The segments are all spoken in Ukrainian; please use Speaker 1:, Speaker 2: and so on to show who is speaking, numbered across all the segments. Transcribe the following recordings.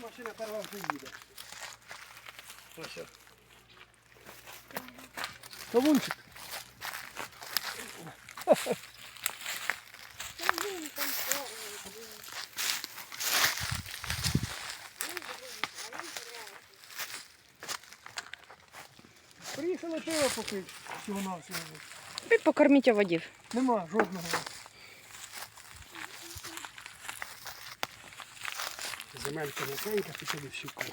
Speaker 1: машина перша вже їде. Ось. Кавунчик. Приїхали пиво попити всього-навсього.
Speaker 2: І покорміть оводів.
Speaker 1: Нема жодного. Земелька м'якенька, пішли всю кухню.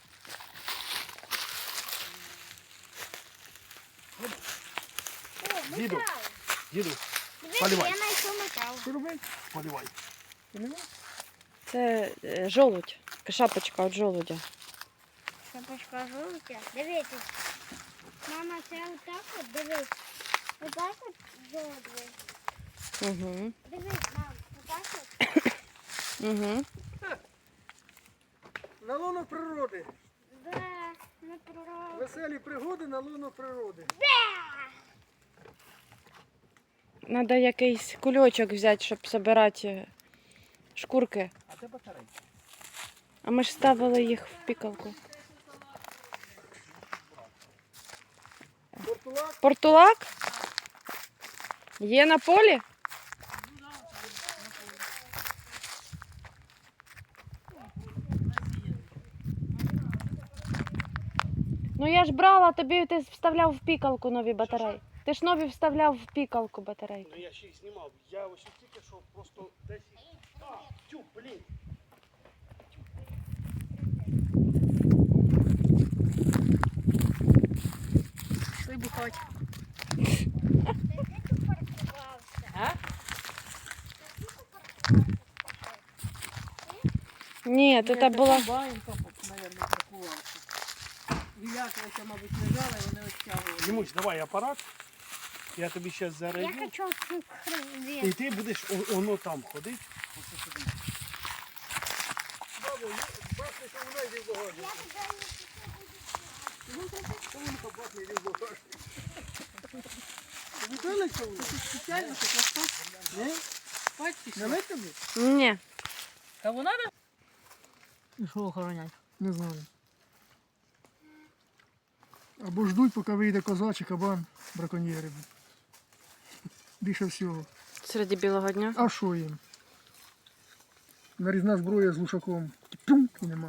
Speaker 1: Діду, поливай.
Speaker 3: Я знайшов метал.
Speaker 1: Що робити? Поливай. Поливай?
Speaker 2: Це жолудь, шапочка від жолудя.
Speaker 3: Шапочка жовтя. Дивіться. Мама, це отак от, дивись. Отак от жовтий.
Speaker 2: Угу.
Speaker 3: Дивись, мам, отак от.
Speaker 2: Угу.
Speaker 1: На лоно природи.
Speaker 3: Да, не прорав.
Speaker 1: Веселі пригоди на лоно природи.
Speaker 2: Треба якийсь кульочок взяти, щоб збирати шкурки.
Speaker 1: А це батарейка.
Speaker 2: А ми ж ставили їх в пікалку.
Speaker 1: Портулак.
Speaker 2: Портулак? Є на полі? Ну я ж брала, тобі ти вставляв в пікалку нові батареї. Ти ж нові вставляв в пікалку батарейки.
Speaker 1: Ну я ще їх знімав. Я ось тільки що просто десь... А, тю, блін.
Speaker 2: Пішли бухати. Ні, то це була...
Speaker 4: Банька, мабуть, паркувався. Вілякалися, мабуть, лежали, вони відтягували.
Speaker 1: Дімусь, давай апарат. Я тобі зараз
Speaker 3: Я
Speaker 1: зарядю.
Speaker 3: хочу
Speaker 1: І
Speaker 3: хрен.
Speaker 1: ти будеш воно там ходити. Ось сюди. Бабу, бачите, що вона йде в багажник. Кавунка бахне йде в багажник. Видали кавунку?
Speaker 4: Спеціально так спати?
Speaker 1: Ні?
Speaker 4: Спати
Speaker 1: Не
Speaker 4: пішли.
Speaker 1: лить тобі?
Speaker 2: Ні.
Speaker 4: Кого надо? І що охоронять?
Speaker 1: Не знаю. Або ждуть, поки вийде коза чи кабан, браконьєри. Більше всього.
Speaker 2: Серед білого дня.
Speaker 1: А що їм? Нарізна зброя з глушаком. Тюм, і нема.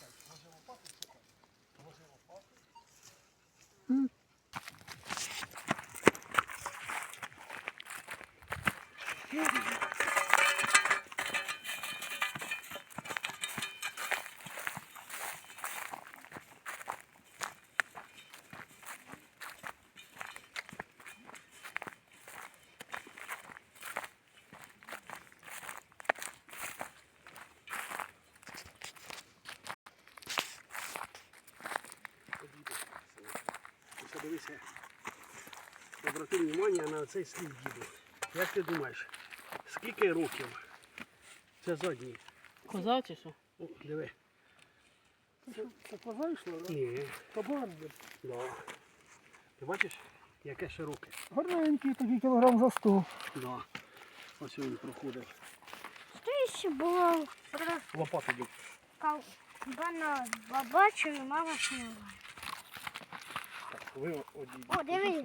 Speaker 1: Дивися, обрати увагу на цей слід, діду. Як ти думаєш, скільки років? Це задній.
Speaker 4: Коза чи що?
Speaker 1: О, диви. Це коза йшла, так? Ні. Кабан. Да. Ти бачиш, яке широке? Гарненький, тоді кілограм за 100. Да. Ось він проходить.
Speaker 3: Що ще було?
Speaker 1: Лопату дід.
Speaker 3: Кабана бачу, і мама сняла.
Speaker 1: Так, ви одійдіть.
Speaker 3: О, диви.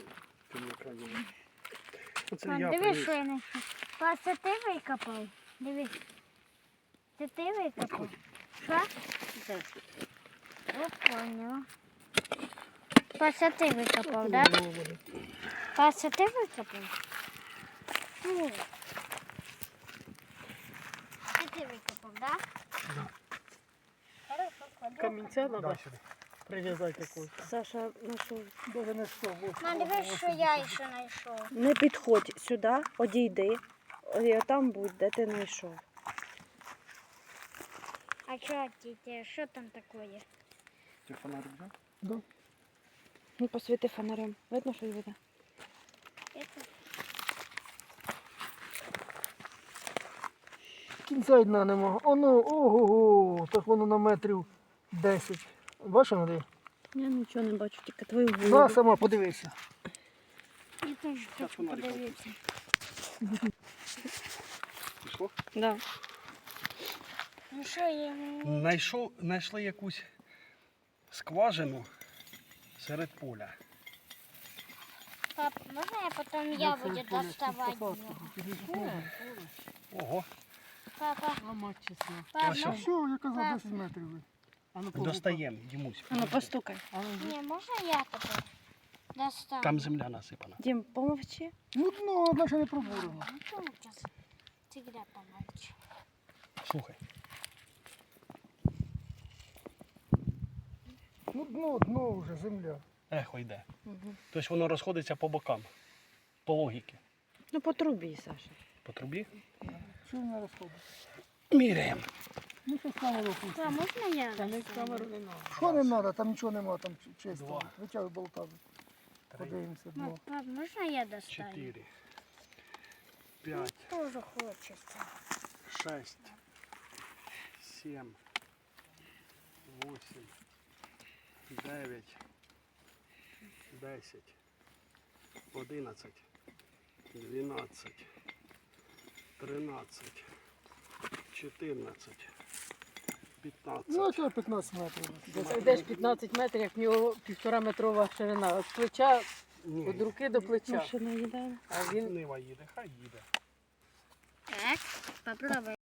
Speaker 1: Оце
Speaker 3: Мам,
Speaker 1: я
Speaker 3: дивись,
Speaker 1: приніс.
Speaker 3: що я знайшов. Пас, це ти викопав? Дивись. Це ти викопав? Що? О, поняла. Пас, це ти викопав, так? Да? Пас, це ти викопав? Ні. Це ти викопав, так?
Speaker 1: Да.
Speaker 3: Хорошо, клади.
Speaker 4: Камінця
Speaker 1: Да,
Speaker 4: треба
Speaker 1: сюди.
Speaker 4: прив'язати якусь.
Speaker 2: Саша знайшов.
Speaker 1: Даже не 100,
Speaker 3: Мам, дивись, що я ще знайшов.
Speaker 2: Не підходь сюди, одійди. І там будь, де ти знайшов.
Speaker 3: А що, тітя, що там таке?
Speaker 1: Ти фонарик взяв? Да.
Speaker 2: Ну, посвіти фонарем. Видно, що йде?
Speaker 1: Кінця й дна нема. Оно, ого-го, так воно на метрів 10. Бачиш, Андрій?
Speaker 2: Я нічого не бачу, тільки твою голову.
Speaker 1: На, сама подивися.
Speaker 3: Я теж хочу
Speaker 1: фонариком.
Speaker 3: подивитися.
Speaker 1: Пішло?
Speaker 2: Да.
Speaker 3: Ну що я?
Speaker 1: Знайшли якусь скважину серед поля.
Speaker 3: Пап, можна я потім я буду доставати?
Speaker 1: Ого,
Speaker 3: Папа,
Speaker 4: А мать чесна.
Speaker 3: папа,
Speaker 1: Ось що.
Speaker 3: можна?
Speaker 1: Все,
Speaker 5: Я казав 10 метрів.
Speaker 4: А ну
Speaker 1: достаємо, Дімусь.
Speaker 2: А ну постукай.
Speaker 4: А ну,
Speaker 3: Ні, можна я тебе достану?
Speaker 1: Там земля насипана.
Speaker 2: Дім, помовчи.
Speaker 5: Ну дно, одна ще не пробурено.
Speaker 3: Ну, то ужас. Всегда помочь.
Speaker 1: Слухай,
Speaker 5: Ну дно вже, земля.
Speaker 1: ехо йде. Тобто воно розходиться по бокам, по логіки.
Speaker 2: Ну по трубі, Саша.
Speaker 1: По трубі.
Speaker 5: Що не розходить?
Speaker 1: Міряємо.
Speaker 5: Ну що з камеру пустимо.
Speaker 3: Папа, можна я
Speaker 4: та не
Speaker 3: достану?
Speaker 4: камеру не надо.
Speaker 5: Що не треба, там нічого нема, там чисто.
Speaker 1: Два.
Speaker 5: Витягуй болтами. Подивимося дно.
Speaker 3: Пап, можна я достану?
Speaker 1: 4, 5,
Speaker 3: Тоже хочеться.
Speaker 1: 6, 7, 8, 9, 10, 11, 12, 13, 14, 15.
Speaker 5: Ну, це 15 метрів.
Speaker 4: Десь йдеш 15 метрів, як в нього 1,5-метрова ширина. Від плеча,
Speaker 1: Ні,
Speaker 4: від руки до плеча.
Speaker 2: Машина їде.
Speaker 4: А він
Speaker 1: Нива їде, хай їде.
Speaker 3: Так, попробуй.